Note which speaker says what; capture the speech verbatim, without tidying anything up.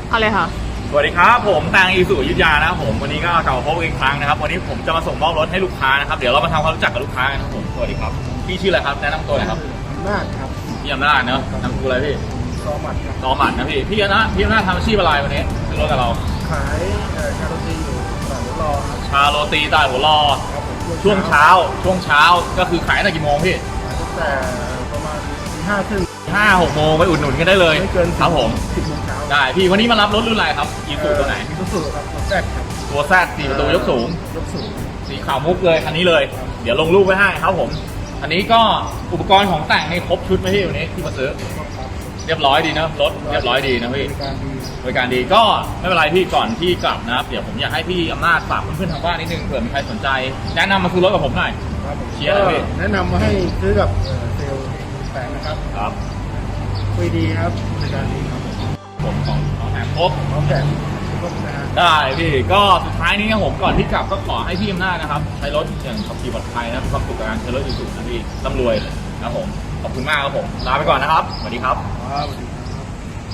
Speaker 1: เอาเลยค่ะ
Speaker 2: สวัสดีครับผมแตงอีสุอยุธยานะครับผมวันนี้ก็กลับมาพบอีกครั้งนะครับวันนี้ผมจะมาส่งมอบรถให้ลูกค้านะครับเดี๋ยวเรามาทำความรู้จักกับลูกค้ากันนะครับผมสวัสดีครับพี่ชื่ออะไรครับแนะนำตัวหน่อยครับ
Speaker 3: อำนาจครับ
Speaker 2: พี่อำนาจเนอะนามสกุลอะไรพี่
Speaker 3: ซอหมัดครับ
Speaker 2: ซอหมัดนะพี่พี่อำนาจพี่อำนาจทำอาชีพอะไรวันนี้ซื้อรถกับเรา
Speaker 3: ขายเอ่อคาร์โรตีอยู่ตลาดหัวรอครับ
Speaker 2: ชาโรตีตลาดหัวรอ
Speaker 3: ครับผม
Speaker 2: ช่วงเช้าช่วงเช้าก็คือขายตั้งแต่กี่โมงพี่
Speaker 3: ขายตั้งแต่ประมาณตีห้าครึ่ง
Speaker 2: ห้าหกโมงไปอุดหนุนกันได้เลย
Speaker 3: ไม่เกิน
Speaker 2: ครับผม
Speaker 3: สิบโมงเช้า
Speaker 2: ได้พี่วันนี้มารับรถรุ่นอะไรครับอีสุตัวไหน
Speaker 3: อีซูซูครับตัวแซดครับ
Speaker 2: ตัวแซดสี่ประตูยกสูง
Speaker 3: ยกสูง
Speaker 2: สีขาวมุกเลยคันนี้เลยเดี๋ยวลงรูปไว้ให้ครับผมอันนี้ก็อุปกรณ์ของแต่งในครบชุดไหมพี่วันนี้ที่มาซื้อเรียบร้อยดีนะรถเรียบร้อยดีนะพี่บริการดีก็ไม่เป็นไรพี่ก่อนที่กลับนะครับเดี๋ยวผมอยากให้พี่อำนาจฝากเพื่อนๆทางบ้านนิดนึงเผื่อมีใครสนใจแนะนำมาซื้อรถกับผมหน่อยเชียร์เลยพี่
Speaker 3: แนะนำมาให้ซื้อกับเซลล์แต่งนะครับ
Speaker 2: ครับ
Speaker 3: คุยดีครับบริการดีครับ
Speaker 2: ผมของของแถมครบ
Speaker 3: ของแถมครบนะฮะ
Speaker 2: ได้พี่ก็สุดท้ายนี้ครับผมก่อนที่กลับก็ขอให้พี่อำนาจนะครับใช้รถอย่างขับขี่ปลอดภัยนะมีความสุขกับการใช้รถอยู่สุดนะพี่ร่ำรวยนะผมขอบคุณมากครับผมลาไปก่อนนะครับสวัสดีครับ
Speaker 3: ครับ